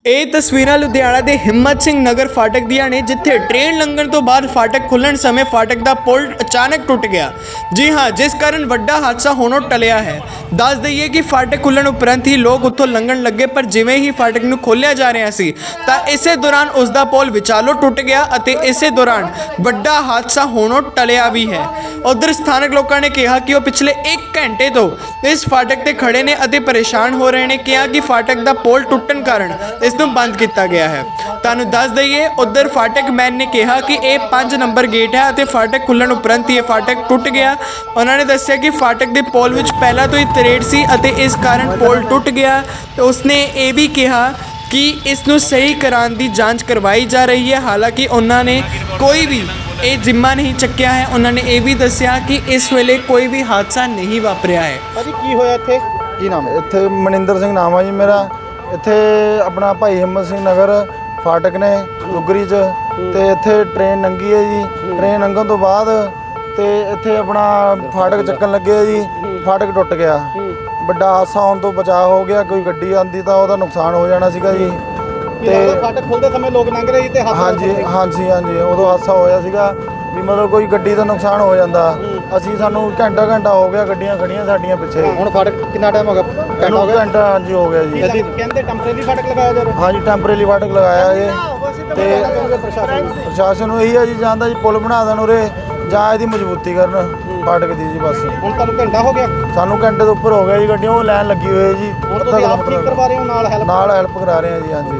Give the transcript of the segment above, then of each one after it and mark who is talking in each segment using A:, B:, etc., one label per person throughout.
A: ਇਹ ਤਸਵੀਰਾਂ ਲੁਧਿਆਣਾ ਦੇ ਹਿੰਮਤ ਸਿੰਘ ਨਗਰ ਫਾਟਕ ਦੀਆਂ ਨੇ, ਜਿੱਥੇ ਟ੍ਰੇਨ ਲੰਘਣ ਤੋਂ ਬਾਅਦ ਫਾਟਕ ਖੁੱਲਣ ਸਮੇਂ ਫਾਟਕ ਦਾ ਪੁਲ ਅਚਾਨਕ ਟੁੱਟ ਗਿਆ। ਜੀ ਹਾਂ, ਜਿਸ ਕਾਰਨ ਵੱਡਾ ਹਾਦਸਾ ਹੋਣੋਂ ਟਲਿਆ ਹੈ। ਦੱਸ ਦਈਏ ਕਿ ਫਾਟਕ ਖੁੱਲਣ ਉਪਰੰਤ ਹੀ ਲੋਕ ਉੱਥੋਂ ਲੰਘਣ ਲੱਗੇ, ਪਰ ਜਿਵੇਂ ਹੀ ਫਾਟਕ ਨੂੰ ਖੋਲ੍ਹਿਆ ਜਾ ਰਿਹਾ ਸੀ ਤਾਂ ਇਸੇ ਦੌਰਾਨ ਉਸ ਦਾ ਪੁਲ ਵਿਚਾਲੋਂ ਟੁੱਟ ਗਿਆ ਅਤੇ ਇਸੇ ਦੌਰਾਨ ਵੱਡਾ ਹਾਦਸਾ ਹੋਣੋਂ ਟਲਿਆ ਵੀ ਹੈ। ਉਧਰ ਸਥਾਨਕ ਲੋਕਾਂ ਨੇ ਕਿਹਾ ਕਿ ਉਹ ਪਿਛਲੇ 1 ਘੰਟੇ ਤੋਂ ਇਸ ਫਾਟਕ ਤੇ ਖੜੇ ਨੇ ਅਤੇ ਪਰੇਸ਼ਾਨ ਹੋ ਰਹੇ ਨੇ। ਕਿਹਾ ਕਿ ਫਾਟਕ ਦਾ ਪੁਲ ਟੁੱਟਣ ਕਾਰਨ ਇਸ ਨੂੰ ਬੰਦ ਕੀਤਾ ਗਿਆ ਹੈ। ਤੁਹਾਨੂੰ ਦੱਸ ਦਈਏ, ਉਧਰ ਫਾਟਕ ਮੈਨ ਨੇ ਕਿਹਾ ਕਿ ਇਹ 5 ਨੰਬਰ ਗੇਟ ਹੈ ਅਤੇ ਫਾਟਕ ਖੁੱਲਣ ਉਪਰੰਤ ਹੀ ਇਹ ਫਾਟਕ ਟੁੱਟ ਗਿਆ। ਉਹਨਾਂ ਨੇ ਦੱਸਿਆ ਕਿ ਫਾਟਕ ਦੇ ਪੁਲ ਵਿੱਚ ਪਹਿਲਾਂ ਤੋਂ ਹੀ ਤਰੇੜ ਸੀ ਅਤੇ ਇਸ ਕਾਰਨ ਪੁਲ ਟੁੱਟ ਗਿਆ। ਤੇ ਉਸਨੇ ਇਹ ਵੀ ਕਿਹਾ ਕਿ ਇਸ ਨੂੰ ਸਹੀ ਕਰਾਉਣ ਦੀ ਜਾਂਚ ਕਰਵਾਈ ਜਾ ਰਹੀ ਹੈ। ਹਾਲਾਂਕਿ ਉਹਨਾਂ ਨੇ ਕੋਈ ਵੀ ਇਹ ਜ਼ਿੰਮਾ ਨਹੀਂ ਚੱਕਿਆ ਹੈ। ਉਹਨਾਂ ਨੇ ਇਹ ਵੀ ਦੱਸਿਆ ਕਿ ਇਸ ਵੇਲੇ ਕੋਈ ਵੀ ਹਾਦਸਾ ਨਹੀਂ ਵਾਪਰਿਆ ਹੈ।
B: ਭਾਜੀ ਕੀ ਹੋਇਆ ਇੱਥੇ? ਕੀ ਨਾਮ ਹੈ?
C: ਇੱਥੇ ਮਨਿੰਦਰ ਸਿੰਘ ਨਾਮ ਹੈ ਜੀ ਮੇਰਾ। ਇੱਥੇ ਆਪਣਾ ਭਾਈ ਹਿੰਮਤ ਸਿੰਘ ਨਗਰ ਫਾਟਕ ਨੇ ਦੁੱਗਰੀ 'ਚ, ਤੇ ਇੱਥੇ ਟ੍ਰੇਨ ਲੰਘੀ ਹੈ ਜੀ। ਟ੍ਰੇਨ ਲੰਘਣ ਤੋਂ ਬਾਅਦ ਤੇ ਇੱਥੇ ਆਪਣਾ ਫਾਟਕ ਚੱਕਣ ਲੱਗੇ ਜੀ, ਫਾਟਕ ਟੁੱਟ ਗਿਆ। ਵੱਡਾ ਹਾਦਸਾ ਹੋਣ ਤੋਂ ਬਚਾਅ ਹੋ ਗਿਆ। ਕੋਈ ਗੱਡੀ ਆਂਦੀ ਤਾਂ ਉਹਦਾ ਨੁਕਸਾਨ ਹੋ ਜਾਣਾ ਸੀਗਾ ਜੀ।
B: ਤੇ ਫਾਟਕ ਖੁੱਲਦੇ ਸਮੇਂ ਲੋਕ ਲੰਘ ਰਹੇ ਸੀ ਤੇ
C: ਹਾਂਜੀ ਉਦੋਂ ਹਾਦਸਾ ਹੋਇਆ ਸੀਗਾ ਵੀ ਮਤਲਬ ਕੋਈ ਗੱਡੀ ਦਾ ਨੁਕਸਾਨ ਹੋ ਜਾਂਦਾ। ਸਾਨੂੰ ਘੰਟਾ ਹੋ ਗਿਆ ਗੱਡੀਆਂ ਖੜੀਆਂ ਸਾਡੀਆਂ ਪਿੱਛੇ।
B: ਹੁਣ ਫਾਟਕ ਕਿੰਨਾ ਟਾਈਮ ਹੋ ਗਿਆ?
C: ਘੰਟਾ ਹਾਂਜੀ ਹੋ ਗਿਆ ਜੀ।
B: ਕਹਿੰਦੇ ਟੈਂਪਰੇਰੀ ਫਾਟਕ ਲਗਾਇਆ ਜਾ ਰਿਹਾ?
C: ਹਾਂਜੀ ਟੈਂਪਰੇਰੀ ਫਾਟਕ ਲਗਾਇਆ ਜੀ। ਤੇ ਪ੍ਰਸ਼ਾਸਨ ਨੂੰ ਇਹੀ ਹੈ ਜੀ, ਜਾਂਦਾ ਜੀ ਪੁਲ ਬਣਾ ਦੇਣ ਉਰੇ ਜਾਂ ਇਹਦੀ ਮਜ਼ਬੂਤੀ ਕਰਨ ਫਾਟਕ ਦੀ ਜੀ। ਬਸ
B: ਹੁਣ ਤੁਹਾਨੂੰ ਘੰਟਾ ਹੋ ਗਿਆ?
C: ਸਾਨੂੰ ਘੰਟੇ ਤੋਂ ਉੱਪਰ ਹੋ ਗਿਆ ਜੀ। ਗੱਡੀਆਂ ਉਹ ਲਾਈਨ ਲੱਗੀ ਹੋਈ ਹੈ ਜੀ।
B: ਹੁਣ ਤੁਸੀਂ ਆਪ ਠੀਕ ਕਰਵਾ ਰਹੇ ਹੋ ਨਾਲ
C: ਹੈਲਪ ਕਰਾ ਰਹੇ ਹਾਂ ਜੀ। ਹਾਂਜੀ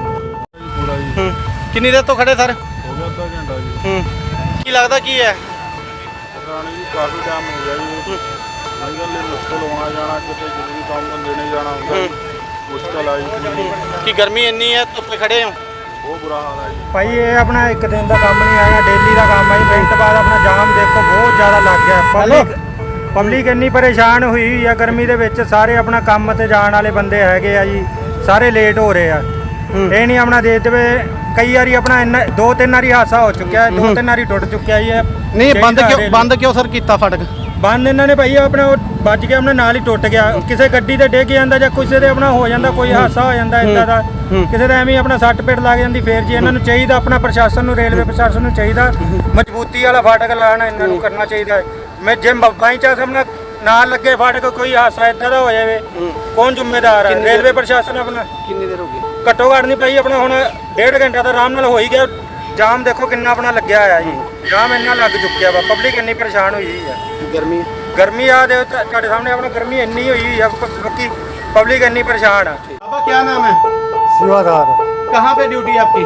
B: ਕਿੰਨੀ ਦੇਰ ਤੋਂ ਖੜੇ ਸਰ?
D: ਹੋ ਗਿਆ ਅੱਧਾ ਘੰਟਾ ਜੀ।
B: ਕੀ ਲੱਗਦਾ ਕੀ ਹੈ?
D: ਪੁਰਾਣੀ ਜੀ ਕਾਫੀ ਟਾਈਮ ਹੋ ਗਿਆ ਜੀ। ਅੱਜ ਕੱਲ੍ਹ ਮੁਸ਼ਕਲ ਹੋਣਾ ਜਾਣਾ, ਕਿਤੇ ਜ਼ਰੂਰੀ ਕੰਮ ਧੰਦੇ ਨਹੀਂ ਜਾਣਾ ਹੁੰਦਾ ਜੀ। ਮੁਸ਼ਕਲ ਆਈ
B: ਕੀ ਗਰਮੀ ਇੰਨੀ ਹੈ, ਧੁੱਪੇ ਖੜੇ ਹੋ?
D: ਬਹੁਤ ਬੁਰਾ ਹਾਲ ਹੈ ਜੀ।
E: ਭਾਈ ਇਹ ਆਪਣਾ ਇੱਕ ਦਿਨ ਦਾ ਕੰਮ ਨਹੀਂ ਹੈਗਾ, ਡੇਲੀ ਦਾ ਕੰਮ ਹੈ ਜੀ। ਮਿੰਟ ਬਾਅਦ ਆਪਣਾ ਜਾਮ ਦੇਖੋ ਬਹੁਤ ਜ਼ਿਆਦਾ ਲੱਗ ਗਿਆ। ਪਬਲਿਕ ਇੰਨੀ ਪਰੇਸ਼ਾਨ ਹੋਈ ਆ ਗਰਮੀ ਦੇ ਵਿੱਚ। ਸਾਰੇ ਆਪਣਾ ਕੰਮ ਤੇ ਜਾਣ ਵਾਲੇ ਬੰਦੇ ਹੈਗੇ ਆ ਜੀ, ਸਾਰੇ ਲੇਟ ਹੋ ਰਹੇ ਆ। ਇਹ ਨਹੀਂ ਆਪਣਾ ਦੇ ਦੇਵੇ। ਕਈ ਵਾਰੀ ਆਪਣਾ 2-3 ਵਾਰੀ ਹਾਦਸਾ ਹੋ ਚੁੱਕਿਆ, 2-3 ਵਾਰੀ ਟੁੱਟ ਚੁੱਕਿਆ ਜੀ।
B: ਨਹੀਂ ਬੰਦ ਕਿਉਂ ਸਰ ਕੀਤਾ ਫਾਟਕ?
E: ਬੰਦ ਇਹਨਾਂ ਨੇ ਭਾਈ ਆਪਣਾ ਉਹ ਵੱਜ ਗਿਆ, ਆਪਣਾ ਨਾਲ ਹੀ ਟੁੱਟ ਗਿਆ। ਕਿਸੇ ਗੱਡੀ ਤੇ ਡਿੱਗ ਜਾਂਦਾ ਜਾਂ ਕਿਸੇ ਦੇ ਆਪਣਾ ਹੋ ਜਾਂਦਾ, ਕੋਈ ਹਾਦਸਾ ਹੋ ਜਾਂਦਾ ਇੱਦਾਂ ਦਾ, ਕਿਸੇ ਦਾ ਐਵੇਂ ਆਪਣਾ ਸੱਟ ਪੇਟ ਲੱਗ ਜਾਂਦੀ। ਫੇਰ ਜੀ ਇਹਨਾਂ ਨੂੰ ਚਾਹੀਦਾ, ਆਪਣਾ ਪ੍ਰਸ਼ਾਸਨ ਨੂੰ, ਰੇਲਵੇ ਪ੍ਰਸ਼ਾਸਨ ਨੂੰ ਚਾਹੀਦਾ ਮਜ਼ਬੂਤੀ ਵਾਲਾ ਫਾਟਕ ਲਾਉਣਾ ਇਹਨਾਂ ਨੂੰ ਕਰਨਾ ਚਾਹੀਦਾ। ਮੈਂ ਜੇ ਬਾਈ ਚਾਂਸ ਆਪਣਾ ਨਾਲ ਲੱਗੇ ਫਾਟਕ, ਕੋਈ ਹਾਦਸਾ ਇੱਦਾਂ ਦਾ ਹੋ ਜਾਵੇ, ਕੌਣ ਜ਼ਿੰਮੇਦਾਰ ਹੈ? ਰੇਲਵੇ ਪ੍ਰਸ਼ਾਸਨ। ਆਪਣਾ
B: ਕਿੰਨੀ ਦੇਰ ਹੋ ਗਈ?
E: ਘੱਟੋ ਘੱਟ ਨਹੀਂ ਭਾਈ ਆਪਣਾ ਹੁਣ 1.5 ਘੰਟਾ ਤਾਂ ਆਰਾਮ ਨਾਲ ਹੋ ਹੀ ਗਿਆ। ਜਾਮ ਦੇਖੋ ਕਿੰਨਾ ਆਪਣਾ ਲੱਗਿਆ ਹੋਇਆ ਜੀ। ਜਾਮ ਇੰਨਾ ਲੱਗ ਚੁੱਕਿਆ ਵਾ, ਪਬਲਿਕ ਇੰਨੀ ਪਰੇਸ਼ਾਨ ਹੋਈ ਹੈ। ਗਰਮੀ ਆ ਦੇ ਤੁਹਾਡੇ ਸਾਹਮਣੇ ਆਪਣਾ ਗਰਮੀ ਇੰਨੀ ਹੋਈ है, बाकी पब्लिक इतनी परेशान है।
B: बाबा क्या नाम है?
C: सेवादार।
B: कहाँ पे ड्यूटी है आपकी?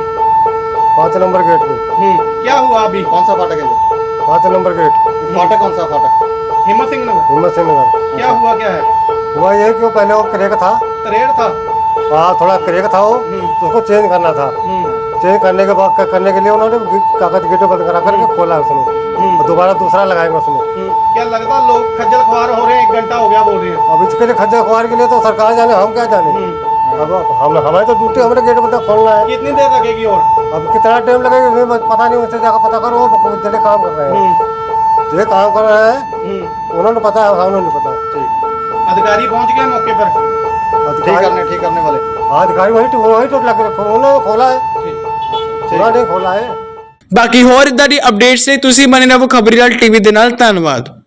C: 5 नंबर गेट पे।
B: क्या हुआ अभी? कौन सा फाटक है?
C: 5 नंबर गेट।
B: फाटक कौन सा फाटक? हिम्मत सिंह नगर।
C: हिम्मत सिंह नगर।
B: क्या हुआ? क्या है
C: हुआ ये कि पहले वो क्रेक था,
B: तरेड़ था?
C: हाँ थोड़ा क्रेक था वो, तो उसको चेंज करना था। चेंज करने के बाद करने के लिए उन्होंने कागज गेट बंद करा करके खोला उसने, और दोबारा दूसरा लगाएंगे उसमें।
B: क्या लगता लोग खज्जल खुआर हो रहे हैं? 1 घंटा हो गया बोल रहे हैं।
C: अब इसके लिए खज्जल खुआर के लिए तो सरकार जाने, हम क्या जाने। अब हमारे तो ड्यूटी, हमारे गेट बंद खोलना है।
B: कितनी देर लगेगी और?
C: अब कितना टाइम लगेगा हमें पता नहीं, उससे जाकर पता करो। वो जल्दी काम कर रहे हैं, ये काम कर रहे हैं, उन्होंने पता है, हमें नहीं पता।
B: ठीक, अधिकारी पहुंच गए मौके पर? ठीक करने वाले?
C: हाँ अधिकारी वही टूट लग रखे, उन्होंने खोला है, उन्होंने खोला है।
A: ਬਾਕੀ ਹੋਰ ਇਦਾਂ ਦੀ ਅਪਡੇਟਸ ਲਈ ਤੁਸੀਂ ਬਣੇ ਰਹੋ ਖਬਰੀਲਾਲ ਟੀਵੀ ਦੇ ਨਾਲ। ਧੰਨਵਾਦ।